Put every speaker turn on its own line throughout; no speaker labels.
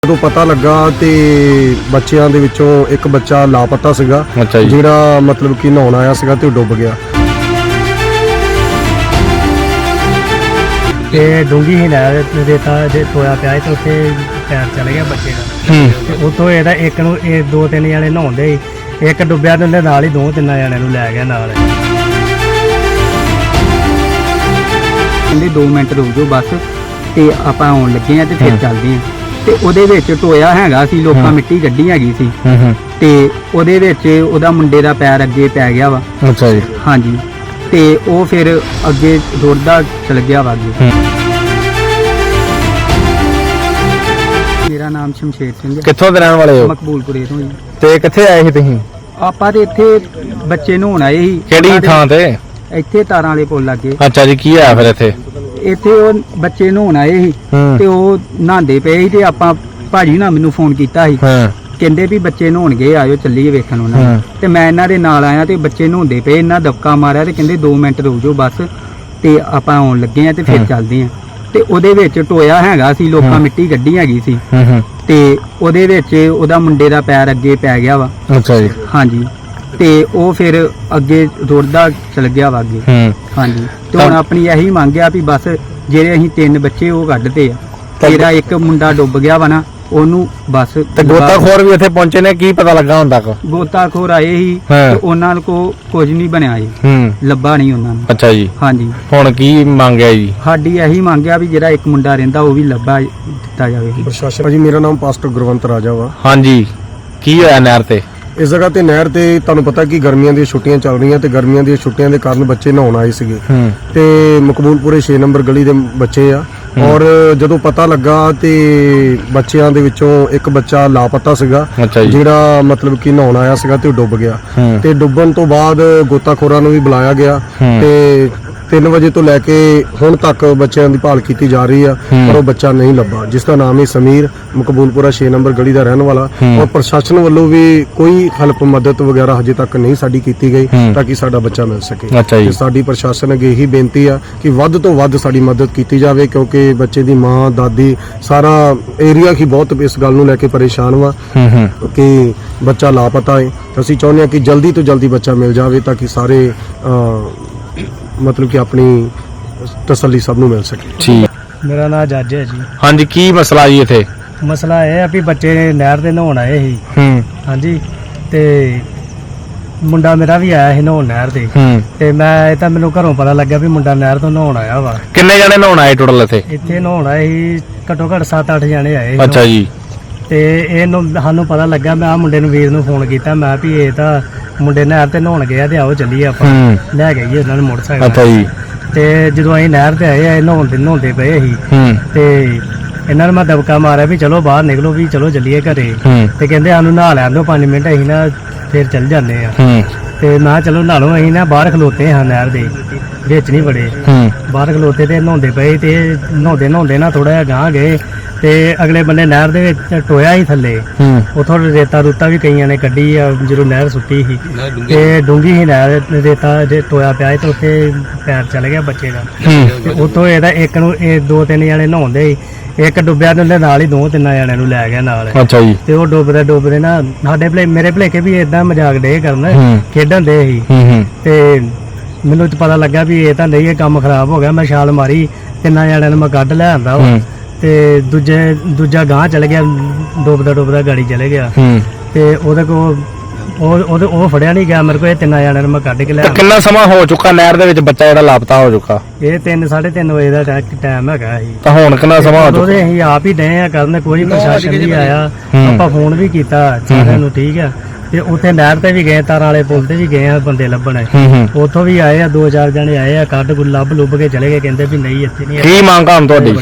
ਜਦੋਂ ਪਤਾ ਲੱਗਾ ਤੇ ਬੱਚਿਆਂ ਦੇ ਵਿੱਚੋਂ ਇੱਕ ਬੱਚਾ ਲਾਪਤਾ ਸੀਗਾ ਜਿਹੜਾ ਮਤਲਬ ਕਿ ਨਹਾਉਣ ਆਇਆ ਸੀਗਾ ਤੇ ਡੁੱਬ ਗਿਆ।
ਤੇ ਡੂੰਗੀ ਹੀ ਨਹਿਰ ਰੇਤਾ ਜੇ ਟੋਇਆ ਪਿਆ ਤੇ ਉੱਥੇ ਪੈਰ ਚਲੇ ਗਿਆ ਬੱਚੇ ਦਾ ਤੇ ਉੱਥੋਂ ਇਹਦਾ ਇੱਕ ਨੂੰ ਇਹ ਦੋ ਤਿੰਨ ਜਣੇ ਨਹਾਉਂਦੇ ਸੀ, ਇੱਕ ਡੁੱਬਿਆ ਤੇ ਉਹਦੇ ਨਾਲ ਹੀ ਦੋ ਤਿੰਨ ਜਣਿਆਂ ਨੂੰ ਲੈ ਗਿਆ ਨਾਲ।
ਕਹਿੰਦੇ 2 ਮਿੰਟ ਰੁਕ ਜਾਓ ਬਸ ਤੇ ਆਪਾਂ ਆਉਣ ਲੱਗੇ ਆ ਤੇ ਫਿਰ ਚੱਲਦੇ ਆ। ਤੇ ਉਹਦੇ ਵਿੱਚ ਟੋਇਆ ਹੈਗਾ ਸੀ, ਲੋਕਾਂ ਮਿੱਟੀ ਕੱਢੀ ਹੈਗੀ ਸੀ ਤੇ ਉਹਦੇ ਵਿੱਚ ਉਹਦਾ ਮੁੰਡੇ ਦਾ ਪੈਰ ਅੱਗੇ ਪੈ ਗਿਆ ਵਾ।
ਅੱਛਾ ਜੀ।
ਹਾਂਜੀ ਤੇ ਉਹ ਫਿਰ ਅੱਗੇ ਦੌੜਦਾ ਚਲ ਗਿਆ ਵਾ ਅੱਗੇ। ਮੇਰਾ ਨਾਮ ਸ਼ਮਸ਼ੇਰ ਸਿੰਘ ਹੈ।
ਕਿੱਥੋਂ ਦੇ ਰਹਿਣ ਵਾਲੇ ਹੋ?
ਮਕਬੂਲਪੁਰੇ ਤੋਂ ਜੀ।
ਤੇ ਕਿੱਥੇ ਆਏ ਸੀ ਤੁਸੀਂ?
ਆਪਾਂ ਤੇ ਇੱਥੇ ਬੱਚੇ ਨਹਾਉਣ ਆਏ ਸੀ।
ਕਿਹੜੀ ਥਾਂ ਤੇ?
ਇੱਥੇ ਤਾਰਾਂ ਵਾਲੇ ਪੁੱਲ ਲੱਗੇ।
ਅੱਛਾ ਜੀ, ਕੀ ਹੋਇਆ ਫਿਰ ਇੱਥੇ?
ਇੱਥੇ ਉਹ ਬੱਚੇ ਨਹਾਉਣ ਆਏ ਸੀ ਤੇ ਉਹ ਨਹਾਉਂਦੇ ਪਏ ਸੀ ਤੇ ਆਪਾਂ ਭਾਜੀ ਨਾਲ ਮੈਨੂੰ ਫੋਨ ਕੀਤਾ ਸੀ, ਕਹਿੰਦੇ ਵੀ ਬੱਚੇ ਨਹਾਉਣਗੇ ਆਇਓ ਚੱਲੀਏ ਵੇਖਣ ਉਹਨਾਂ ਤੇ ਮੈਂ ਇਹਨਾਂ ਦੇ ਨਾਲ ਆਇਆ ਤੇ ਬੱਚੇ ਨਹਾਉਂਦੇ ਪਏ, ਇਹਨਾਂ ਦਬਕਾ ਮਾਰਿਆ ਤੇ ਕਹਿੰਦੇ 2 ਮਿੰਟ ਰੁਕ ਜਾਓ ਬਸ ਤੇ ਆਪਾਂ ਆਉਣ ਲੱਗੇ ਆ ਤੇ ਫਿਰ ਚੱਲਦੇ ਆ। ਤੇ ਉਹਦੇ ਵਿੱਚ ਟੋਇਆ ਹੈਗਾ ਸੀ, ਲੋਕਾਂ ਮਿੱਟੀ ਕੱਢੀ ਹੈਗੀ ਸੀ ਤੇ ਉਹਦੇ ਵਿੱਚ ਉਹਦਾ ਮੁੰਡੇ ਦਾ ਪੈਰ ਅੱਗੇ ਪੈ ਗਿਆ ਵਾ।
ਅੱਛਾ ਜੀ।
ਹਾਂਜੀ ਤੇ ਉਹ ਫਿਰ ਅੱਗੇ ਦੌੜਦਾ ਚਲ ਗਿਆ ਵਾ ਅੱਗੇ। ਹਾਂਜੀ ਤੇ ਹੁਣ ਆਪਣੀ ਇਹੀ ਮੰਗ ਆ ਵੀ ਬਸ ਜਿਹੜੇ ਅਸੀਂ 3 ਬੱਚੇ ਉਹ ਕੱਢਦੇ ਆ, ਤੇਰਾ ਇੱਕ ਮੁੰਡਾ ਡੁੱਬ ਗਿਆ ਵਾ ਨਾ ਉਹਨੂੰ ਬਸ।
ਤੇ ਗੋਤਾਖੋਰ ਵੀ ਇੱਥੇ ਪਹੁੰਚੇ ਨੇ, ਕੀ ਪਤਾ ਲੱਗਾ ਹੁਣ ਤੱਕ?
ਗੋਤਾਖੋਰ ਆਏ ਸੀ ਤੇ ਉਹਨਾਂ ਕੋ ਕੁਝ ਨਹੀਂ ਬਣਿਆ ਜੀ, ਲੱਭਾ ਨਹੀਂ ਉਹਨਾਂ ਨੂੰ।
ਅੱਛਾ ਜੀ।
ਹਾਂਜੀ
ਹੁਣ ਕੀ ਮੰਗਿਆ ਜੀ?
ਸਾਡੀ ਇਹੀ ਮੰਗਿਆ ਵੀ ਜਿਹੜਾ ਇੱਕ ਮੁੰਡਾ ਰਹਿੰਦਾ ਉਹ ਵੀ ਲੱਭਾ ਦਿੱਤਾ ਜਾਵੇ।
ਪ੍ਰਸ਼ਾਸਨ ਜੀ, ਮੇਰਾ ਨਾਮ ਪਾਸਟਰ ਗੁਰਵੰਤ ਰਾਜਾ ਵਾ।
ਹਾਂਜੀ, ਕੀ ਹੋਇਆ ਨਹਿਰ ਤੇ?
ਇਸ ਜਗ੍ਹਾ ਤੇ ਨਹਿਰ ਤੇ ਤੁਹਾਨੂੰ ਪਤਾ ਕਿ ਗਰਮੀਆਂ ਦੀਆਂ ਛੁੱਟੀਆਂ ਚੱਲ ਰਹੀਆਂ ਤੇ ਗਰਮੀਆਂ ਦੀਆਂ ਛੁੱਟੀਆਂ ਦੇ ਕਾਰਨ ਬੱਚੇ ਨਹਾਉਣ ਆਏ ਸੀਗੇ ਤੇ ਮਕਬੂਲਪੁਰੇ 6 ਨੰਬਰ ਗਲੀ ਦੇ ਬੱਚੇ ਆ। ਔਰ ਜਦੋਂ ਪਤਾ ਲੱਗਾ ਤੇ ਬੱਚਿਆਂ ਦੇ ਵਿੱਚੋਂ ਇੱਕ ਬੱਚਾ ਲਾਪਤਾ ਸੀਗਾ ਜਿਹੜਾ ਮਤਲਬ ਕਿ ਨਹਾਉਣ ਆਇਆ ਸੀਗਾ ਤੇ ਡੁੱਬ ਗਿਆ। ਤੇ ਡੁੱਬਣ ਤੋਂ ਬਾਅਦ ਗੋਤਾਖੋਰਾਂ ਨੂੰ ਵੀ ਬੁਲਾਇਆ ਗਿਆ ਤੇ 3 ਵਜੇ ਤੋਂ ਲੈ ਕੇ ਹੁਣ ਤੱਕ ਬੱਚਿਆਂ ਦੀ ਭਾਲ ਕੀਤੀ ਜਾ ਰਹੀ ਆ ਪਰ ਉਹ ਬੱਚਾ ਨਹੀਂ ਲੱਭਾ, ਜਿਸ ਦਾ ਨਾਮ ਹੈ ਸਮੀਰ, ਮਕਬੂਲਪੁਰਾ 6 ਨੰਬਰ ਗਲੀ ਦਾ ਰਹਿਣ ਵਾਲਾ। ਔਰ ਪ੍ਰਸ਼ਾਸਨ ਵੱਲੋਂ ਵੀ ਕੋਈ ਹੈਲਪ ਮਦਦ ਵਗੈਰਾ ਹਜੇ ਤੱਕ ਨਹੀਂ ਸਾਡੀ ਕੀਤੀ ਗਈ ਤਾਂ ਕਿ ਸਾਡਾ ਬੱਚਾ ਮਿਲ ਸਕੇ। ਤੇ ਸਾਡੀ ਪ੍ਰਸ਼ਾਸਨ ਅੱਗੇ ਇਹੀ ਬੇਨਤੀ ਆ ਕਿ ਵੱਧ ਤੋਂ ਵੱਧ ਸਾਡੀ ਮਦਦ ਕੀਤੀ ਜਾਵੇ ਕਿਉਂਕਿ ਬੱਚੇ ਦੀ ਮਾਂ, ਦਾਦੀ, ਸਾਰਾ ਏਰੀਆ ਹੀ ਬਹੁਤ ਇਸ ਗੱਲ ਨੂੰ ਲੈ ਕੇ ਪਰੇਸ਼ਾਨ ਵਾ ਕਿ ਬੱਚਾ ਲਾਪਤਾ ਹੈ। ਅਸੀਂ ਚਾਹੁੰਦੇ ਹਾਂ ਕਿ ਜਲਦੀ ਤੋਂ ਜਲਦੀ ਬੱਚਾ ਮਿਲ ਜਾਵੇ ਤਾਂ ਕਿ ਸਾਰੇ ਮਤਲਬ ਕਿ ਆਪਣੀ ਤਸੱਲੀ ਸਭ ਨੂੰ ਮਿਲ ਸਕੇ।
ਠੀਕ।
ਮੇਰਾ ਨਾਮ ਜੱਜ ਹੈ ਜੀ।
ਹਾਂਜੀ, ਕੀ ਮਸਲਾ ਜੀ ਇੱਥੇ?
ਮਸਲਾ ਇਹ ਆ ਵੀ ਬੱਚੇ ਨਹਿਰ ਤੇ ਨਹਾਉਣ ਆਏ ਸੀ। ਹਾਂਜੀ ਤੇ ਮੁੰਡਾ ਮੇਰਾ ਵੀ ਆਇਆ ਸੀ ਨਹਾਉਣ ਨਹਿਰ ਤੇ ਮੈਂ ਤਾਂ ਮੈਨੂੰ ਘਰੋਂ ਪਤਾ ਲੱਗਿਆ ਵੀ ਮੁੰਡਾ ਨਹਿਰ ਤੋਂ ਨਹਾਉਣ ਆਇਆ ਵਾ।
ਕਿੰਨੇ ਜਣੇ ਨਹਾਉਣ ਆਏ ਟੋਟਲ ਇੱਥੇ?
ਇੱਥੇ ਨਹਾਉਣ ਆਏ ਸੀ ਘੱਟੋ ਘੱਟ 7-8 ਜਣੇ ਆਏ ਸੀ।
ਅੱਛਾ ਜੀ।
ਤੇ ਇਹਨੂੰ ਸਾਨੂੰ ਪਤਾ ਲੱਗਾ, ਮੈਂ ਆ ਮੁੰਡੇ ਨੂੰ ਵੀਰ ਨੂੰ ਫੋਨ ਕੀਤਾ, ਮੈਂ ਵੀ ਇਹ ਤਾਂ ਮੁੰਡੇ ਨਹਿਰ ਤੇ ਨਹਾਉਣ ਗਏ ਤੇ ਆਓ ਚੱਲੀਏ ਆਪਾਂ ਲੈ ਗਏ ਉਹਨਾਂ ਨੂੰ ਮੋਟਰਸਾਈਕਲ।
ਅੱਛਾ ਜੀ।
ਤੇ ਜਦੋਂ ਅਸੀਂ ਨਹਿਰ ਤੇ ਆਏ ਇਹ ਨਹਾਉਂਦੇ ਪਏ ਸੀ ਤੇ ਇਹਨਾਂ ਨੂੰ ਮੈਂ ਦਬਕਾ ਮਾਰਿਆ ਵੀ ਚਲੋ ਬਾਹਰ ਨਿਕਲੋ, ਵੀ ਚਲੋ ਚੱਲੀਏ ਘਰੇ। ਤੇ ਕਹਿੰਦੇ ਸਾਨੂੰ ਨਹਾ ਲੈਣ ਦਿਓ 5 ਮਿੰਟ, ਅਸੀਂ ਨਾ ਫਿਰ ਚੱਲ ਜਾਂਦੇ ਆ। ਤੇ ਮੈਂ ਕਿਹਾ ਚਲੋ ਨਹਾ ਲਓ। ਅਸੀਂ ਨਾ ਬਾਹਰ ਖਲੋਤੇ ਹਾਂ ਨਹਿਰ ਦੇ ਵਿੱਚ, ਨਹੀਂ ਬੜੇ ਬਾਹਰ ਖਲੋਤੇ ਤੇ ਨਹਾਉਂਦੇ ਪਏ ਤੇ ਨਹਾਉਂਦੇ ਨਾ ਥੋੜਾ ਜਿਹਾ ਗਾਂਹ ਗਏ ਤੇ ਅਗਲੇ ਬੰਨੇ ਨਹਿਰ ਦੇ ਵਿੱਚ ਟੋਇਆ ਹੀ ਥੱਲੇ, ਉਥੋਂ ਰੇਤਾ ਵੀ ਕਈਆਂ ਨੇ ਕੱਢੀ ਆ ਜਦੋਂ ਨਹਿਰ ਸੁੱਟੀ ਸੀ ਤੇ ਡੂੰਗੀ ਹੀ ਨਹਿਰ, ਰੇਤਾ ਜੇ ਟੋਇਆ ਪਿਆ ਤੇ ਉੱਥੇ ਪੈਰ ਚਲ ਗਿਆ ਬੱਚੇ ਦਾ ਤੇ ਉੱਥੋਂ ਇਹਦਾ ਇੱਕ ਨੂੰ ਇਹ 2-3 ਜਣੇ ਨਹਾਉਂਦੇ ਸੀ, ਇੱਕ ਡੁੱਬਿਆ ਤੇ ਉਹਦੇ ਨਾਲ ਹੀ 2-3 ਜਣਿਆਂ ਨੂੰ ਲੈ ਗਿਆ ਨਾਲ।
ਅੱਛਾ ਜੀ।
ਤੇ ਉਹ ਡੁੱਬਦੇ ਨਾ ਸਾਡੇ ਮੇਰੇ ਭਲੇਖੇ ਵੀ ਏਦਾਂ ਮਜ਼ਾਕ ਡੇ ਕਰਨ, ਖੇਡਣ ਦੇ ਸੀ ਤੇ ਮੈਨੂੰ ਪਤਾ ਲੱਗਾ ਵੀ ਇਹ ਤਾਂ ਨਹੀਂ, ਇਹ ਕੰਮ ਖਰਾਬ ਹੋ ਗਿਆ। ਮੈਂ ਛਾਲ ਮਾਰੀ, 3 ਜਣਿਆਂ ਨੂੰ ਮੈਂ ਕੱਢ ਲੈ ਆਂਦਾ ਤੇ ਦੂਜਾ ਗਾਂਹ ਚਲ ਗਿਆ, ਡੁੱਬਦਾ ਗਾੜੀ ਚਲੇ ਗਿਆ ਤੇ ਉਹਦੇ ਕੋਲ ਉਹ ਫੜਿਆ ਨਹੀਂ ਗਿਆ ਮੇਰੇ ਕੋਲ। ਇਹ 3 ਜਣਿਆਂ ਨੂੰ ਮੈਂ ਕੱਢ ਕੇ ਲਿਆ।
ਕਿੰਨਾ ਸਮਾਂ ਹੋ ਚੁੱਕਾ ਨਹਿਰ ਦੇ ਵਿੱਚ ਬੱਚਾ ਜਿਹੜਾ ਲਾਪਤਾ ਹੋ ਚੁੱਕਾ?
ਇਹ 3-3:30 ਵਜੇ ਦਾ ਟਾਈਮ ਹੈਗਾ ਸੀ।
ਤਾਂ ਹੁਣ ਕਿੰਨਾ ਸਮਾਂ ਹੋ ਚੁੱਕਾ?
ਅਸੀਂ ਆਪ ਹੀ ਡਏ ਆ ਕਰਨ, ਕੋਈ ਪ੍ਰਸ਼ਾਸਨ ਨਹੀਂ ਆਇਆ। ਆਪਾਂ ਫੋਨ ਵੀ ਕੀਤਾ ਸਾਰਿਆਂ ਨੂੰ, ਠੀਕ ਆ। ਤੇ ਉੱਥੇ ਨਹਿਰ ਤੇ ਵੀ ਗਏ, ਤਾਰਾਂ ਵਾਲੇ ਪੁੱਲ ਤੇ ਵੀ ਗਏ ਆ ਬੰਦੇ ਲੱਭਣ, ਉੱਥੋਂ ਵੀ ਆਏ ਆ 2-4 ਜਣੇ ਆਏ ਆ, ਕੱਢ ਲੱਭ ਕੇ ਚਲੇ ਗਏ, ਕਹਿੰਦੇ ਵੀ ਨਹੀਂ ਇੱਥੇ ਨਹੀਂ।
ਕੀ ਮੰਗ ਆ ਤੁਹਾਡੀ?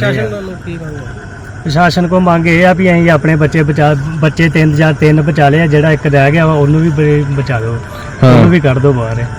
ਪ੍ਰਸ਼ਾਸਨ ਕੋ ਮੰਗ ਇਹ ਆ ਵੀ ਅਸੀਂ ਆਪਣੇ ਬੱਚੇ 3 ਬਚਾ ਲਏ ਆ, ਜਿਹੜਾ ਇੱਕ ਰਹਿ ਗਿਆ ਉਹਨੂੰ ਵੀ ਬਚਾ ਦਿਓ, ਉਹਨੂੰ ਵੀ ਕੱਢ ਦਿਓ ਬਾਹਰ।